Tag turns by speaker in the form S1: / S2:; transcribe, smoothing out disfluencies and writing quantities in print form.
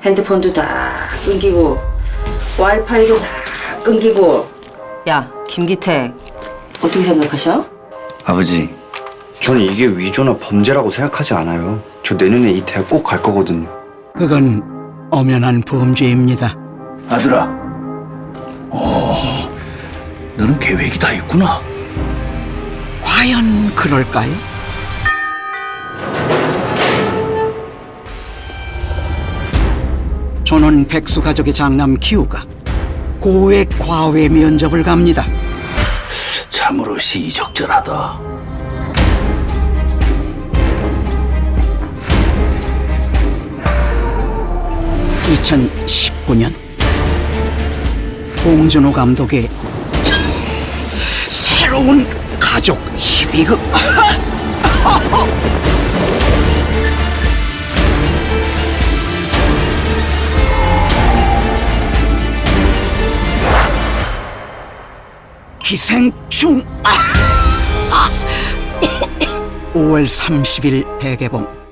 S1: 핸드폰도 다 끊기고 와이파이도 다 끊기고. 야, 김기택, 어떻게 생각하셔?
S2: 아버지, 저는 이게 위조나 범죄라고 생각하지 않아요. 저 내년에 이 대학 꼭 갈 거거든요.
S3: 그건 엄연한 범죄입니다.
S4: 아들아, 너는 계획이 다 있구나.
S3: 과연 그럴까요? 저는 백수 가족의 장남 기우가 고액 과외 면접을 갑니다.
S4: 참으로 시의적절하다.
S3: (2019년) 봉준호 감독의 새로운 가족 희비극. 기생충. 5월 30일 대개봉.